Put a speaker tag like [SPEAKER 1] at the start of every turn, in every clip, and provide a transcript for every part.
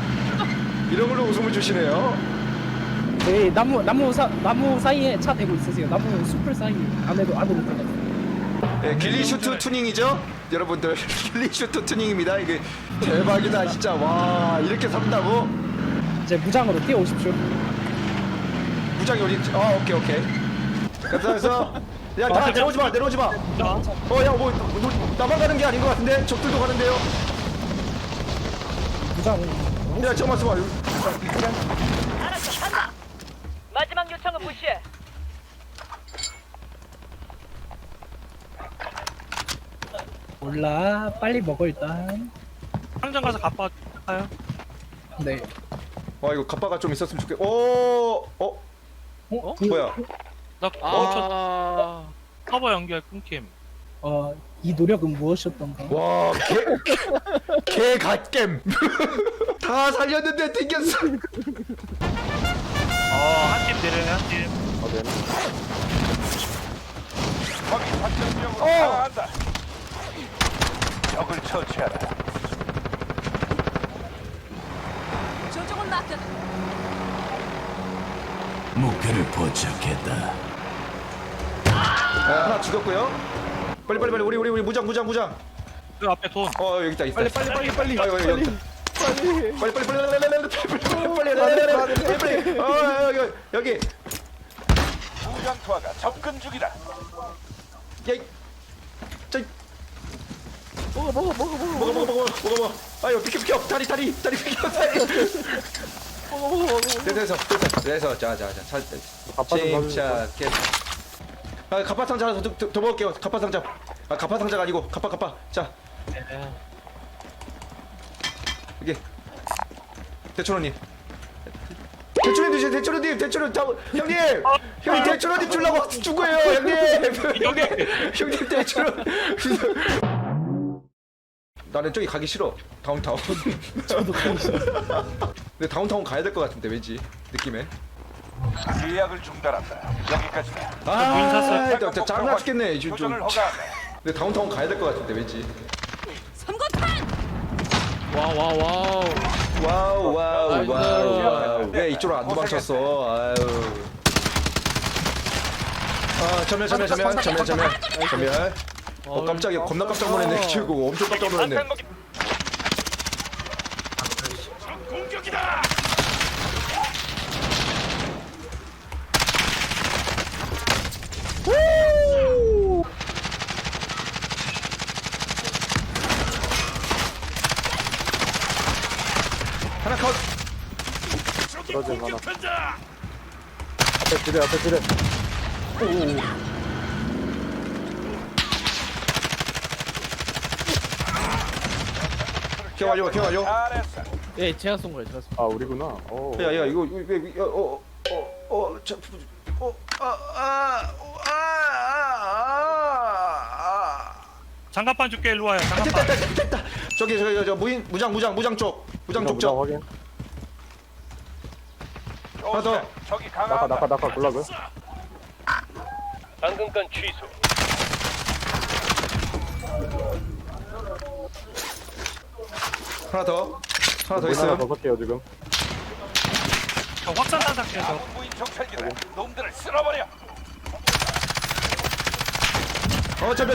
[SPEAKER 1] 이런 걸로 웃음을 주시네요.
[SPEAKER 2] 네, 나무 사이에 차 대고 있으세요. 나무 숲을 사이 안으로 들어가세요.
[SPEAKER 1] 네, 길리슈트 투닝이죠? 여러분들 길리슈트 투닝입니다. 이게 대박이다 진짜. 와 이렇게 산다고?
[SPEAKER 2] 이제 무장으로 뛰어오십시오.
[SPEAKER 1] 무장이 어디 있지? 아 오케이. 그래서 야다 내려오지 마. 야뭐 나만 가는 게 아닌 것 같은데 적들도 가는데요.
[SPEAKER 2] 무장.
[SPEAKER 1] 야 잠깐만.
[SPEAKER 3] 알았어, 간다. 마지막 요청은 무시해.
[SPEAKER 2] 몰라. 빨리 먹어 일단.
[SPEAKER 4] 상점 가서 갚아요.
[SPEAKER 2] 네.
[SPEAKER 1] 와 이거 갑바가 좀 있었으면 좋겠. 어? 뭐야?
[SPEAKER 4] 나
[SPEAKER 5] 아,
[SPEAKER 4] 서버 연결 끊김.
[SPEAKER 2] 이 노력은 무엇이었던가?
[SPEAKER 1] 와, 개 갓겜. 다 살렸는데 튕겼어.
[SPEAKER 4] 한 팀 내려요, 한 팀.
[SPEAKER 6] 거기 작전지역으로
[SPEAKER 1] 어.
[SPEAKER 6] 향한다. 적을 처치하라.
[SPEAKER 3] 조종을 맡겨.
[SPEAKER 7] 목표를 포착했다.
[SPEAKER 1] 하나 죽였고요. 빨리 우리 무장.
[SPEAKER 4] 그 앞에 돈.
[SPEAKER 1] 여기 있다.
[SPEAKER 5] 빨리.
[SPEAKER 1] 빨리. 여기.
[SPEAKER 6] 무장 투하가 접근 중이다.
[SPEAKER 1] 야, 저 먹어. 아유 비켜. 다리 비켜 다리. 됐어. 자. 침착해. 아 갑파 상자 하나 더 먹을게요. 갑파 상자. 아 갑파 상자가 아니고 갑파. 자 여기 대천원님. 대천원님 형님 대천원님 주려고 준 거예요 형님. 형님 대천원. 나는 저기 가기 싫어. 다운타운.
[SPEAKER 2] 저도 가기 싫어.
[SPEAKER 1] 근데 다운타운 가야 될 것 같은데 왠지 느낌에.
[SPEAKER 6] 예약을 중단한다. 여기까지다.
[SPEAKER 1] 진짜 짜증나 죽겠네.
[SPEAKER 6] 교전을 허가한다.
[SPEAKER 1] 근데 다운타운 가야 될 것 같은데 왠지.
[SPEAKER 3] 삼거탄.
[SPEAKER 1] 와우. 왜 이쪽으로 안 도망쳤어? 아유. 아 전멸. 깜짝이야. 겁나 깜짝 놀랐네. 지금 엄청 깜짝 놀랐네.
[SPEAKER 6] 공격이다.
[SPEAKER 1] 하나 컷.
[SPEAKER 6] 적이 공격한다.
[SPEAKER 2] 앞에 지뢰.
[SPEAKER 1] 기어 완료.
[SPEAKER 6] 잘했어.
[SPEAKER 5] 예, 제가 쏜 거예요. 제가 쏜
[SPEAKER 2] 아 우리구나.
[SPEAKER 1] 야 이거
[SPEAKER 4] 장갑판 줄게. 일로 와요. 장갑판.
[SPEAKER 1] 됐다. 저기 저 무장 쪽
[SPEAKER 2] 확인.
[SPEAKER 1] 하나 더.
[SPEAKER 6] 적이 강화한다.
[SPEAKER 2] 낙하 골라고요?
[SPEAKER 3] 방금 건 취소.
[SPEAKER 1] 하나 더 있어요.
[SPEAKER 2] 섞게요 지금.
[SPEAKER 4] 확산탄 상태에서.
[SPEAKER 6] 무인 정찰기다. 놈들을 쓸어버려.
[SPEAKER 1] 전멸.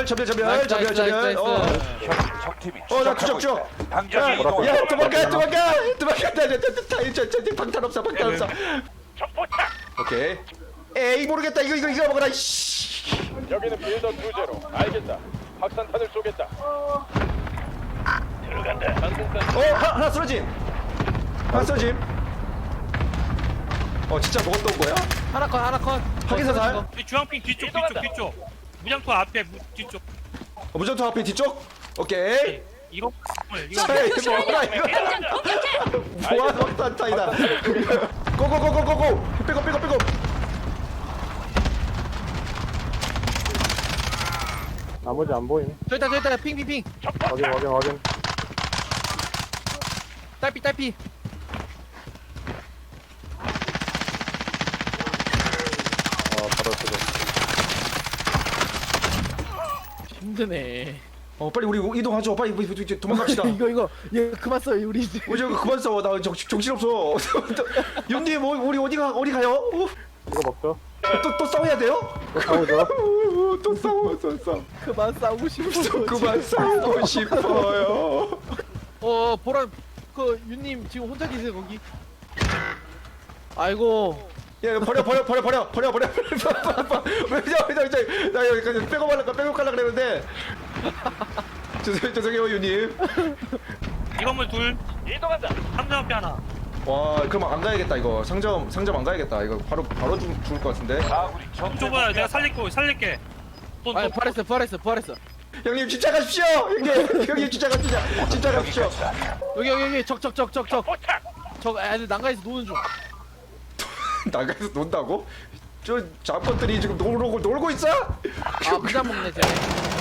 [SPEAKER 6] 적팀이
[SPEAKER 1] 나 추적.
[SPEAKER 6] 당장 이동한다.
[SPEAKER 1] 야 도망가. 방탄 없어.
[SPEAKER 6] 적포착.
[SPEAKER 1] 오케이. 에이 모르겠다. 이거 먹어라. 씨.
[SPEAKER 6] 여기는 빌더 2제로. 알겠다. 확산탄을 쏘겠다. 들어간다. 방금 건
[SPEAKER 1] 하나 쓰러짐. 진짜 먹었던 거야?
[SPEAKER 5] 하나 컷.
[SPEAKER 1] 확인사살.
[SPEAKER 4] 이 주황핑 뒤쪽. 무장투 앞에 뒤쪽.
[SPEAKER 1] 무전투 앞에 뒤쪽. 오케이.
[SPEAKER 4] 이거
[SPEAKER 1] 에이 먹어라 이거. 뭐야 확산타이다. 고고고고고고. 빼고.
[SPEAKER 2] 나머지 안 보임.
[SPEAKER 5] 저 있다. 핑.
[SPEAKER 2] 확인.
[SPEAKER 5] 딸피.
[SPEAKER 2] 바로 쓰고.
[SPEAKER 5] 힘드네.
[SPEAKER 1] 빨리 우리 이동하죠. 빨리 도망갑시다.
[SPEAKER 5] 이거 그만 써 우리.
[SPEAKER 1] 저거 그만 싸워. 나 정신없어. 윤님 우리 어디 가요?
[SPEAKER 2] 이거 먹죠.
[SPEAKER 1] 또 싸워야 돼요?
[SPEAKER 2] 싸우죠.
[SPEAKER 1] 또 싸워.
[SPEAKER 5] 그만 싸우고 싶어.
[SPEAKER 1] 그만 싸우고 싶어요.
[SPEAKER 5] 보라 그 윤님 지금 혼자 계세요 거기. 아이고.
[SPEAKER 1] 야 이거 버려. 나 여기 백업 하려고 그랬는데. 죄송해요 윤님.
[SPEAKER 4] 이 건물 둘.
[SPEAKER 3] 이동한다.
[SPEAKER 4] 상점 앞에 하나.
[SPEAKER 1] 와 그럼 안 가야겠다 이거. 상점 안 가야겠다. 이거 바로 죽을 것 같은데.
[SPEAKER 6] 아군이 적
[SPEAKER 4] 좁아요. 내가 살릴게.
[SPEAKER 5] 아니 부활했어.
[SPEAKER 1] 형님 진짜 가십시오. 형님 진짜 가십시오.
[SPEAKER 5] 여기 적. 적 애들 난간에서 노는 중.
[SPEAKER 1] 나가서 논다고? 저 잡것들이 지금 놀고 있어?
[SPEAKER 5] 부자 먹네 쟤.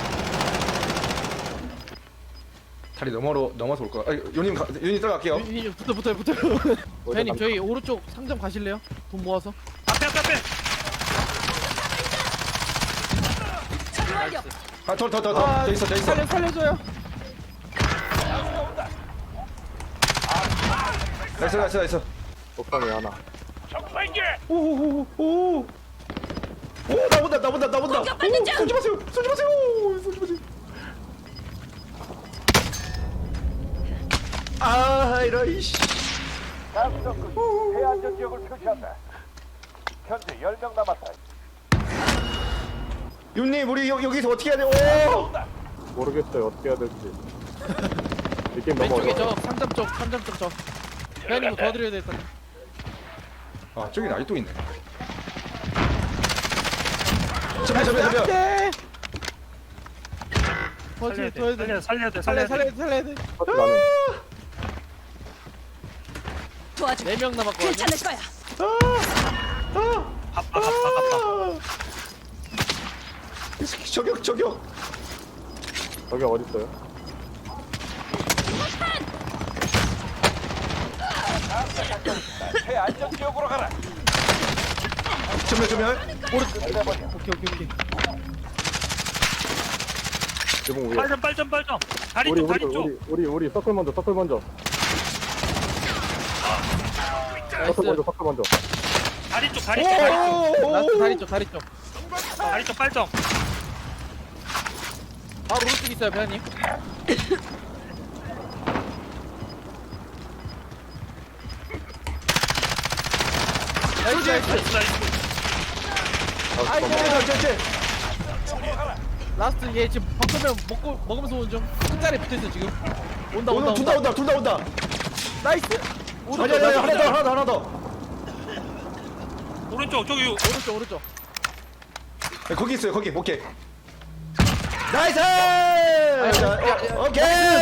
[SPEAKER 1] 다리 넘어서 올 거야. 윤님 들어갈게요.
[SPEAKER 5] 윤님 붙어요. 회원님 저희 오른쪽 상점 가실래요? 돈 모아서.
[SPEAKER 4] 앞에.
[SPEAKER 1] 더 있어.
[SPEAKER 5] 살려줘요.
[SPEAKER 1] 나이스.
[SPEAKER 2] 옥상에 하나.
[SPEAKER 6] 적발견.
[SPEAKER 1] 오 나본다.
[SPEAKER 3] 공격받는 중!
[SPEAKER 1] 쏘지 마세요. 아 이런 이씨.
[SPEAKER 6] 가스덩크 해안전 지역을 표시한다. 현재 10명 남았다.
[SPEAKER 1] 윤님 우리 여기서 어떻게 해야 돼?
[SPEAKER 6] 모르겠어요. 어떻게 해야 될지. 이 게임 너무
[SPEAKER 5] 왼쪽에
[SPEAKER 6] 어려워.
[SPEAKER 5] 저 상점 쪽 저. 회원님 뭐 도와드려야 될 것 같아.
[SPEAKER 1] 아 저기 아직도 있네. 잠깐.
[SPEAKER 5] 도와줘야 돼.
[SPEAKER 4] 살려야 돼.
[SPEAKER 5] 살려야 돼.
[SPEAKER 6] 사실 나는
[SPEAKER 3] 도와줘.
[SPEAKER 5] 4명 남았거든요.
[SPEAKER 3] 괜찮을 거야.
[SPEAKER 4] 갑다.
[SPEAKER 1] 이 새끼 저격.
[SPEAKER 6] 저기 어디 있어요?
[SPEAKER 3] 최안전 지역으로 가라.
[SPEAKER 1] 전멸.
[SPEAKER 5] 오케이.
[SPEAKER 6] 지붕 위에.
[SPEAKER 4] 빨점. 다리
[SPEAKER 6] 우리
[SPEAKER 4] 쪽.
[SPEAKER 6] 우리 서클 먼저. 서클 먼저.
[SPEAKER 4] 다리 쪽.
[SPEAKER 5] 라스트 다리 쪽.
[SPEAKER 4] 다리 쪽 빨점.
[SPEAKER 5] 바로 오른쪽 있어요, 회원님. 나이스. 라스트 얘 지금 방금면 먹으면서 오는 중. 큰 자리에 붙어있어 지금. 온다.
[SPEAKER 1] 둘 다 온다.
[SPEAKER 5] 나이스.
[SPEAKER 1] 아니 하나 더.
[SPEAKER 4] 오른쪽 저기
[SPEAKER 5] 오른쪽.
[SPEAKER 1] 네, 거기 있어요. 거기. 오케이. 나이스!
[SPEAKER 5] 야.
[SPEAKER 1] 오케이.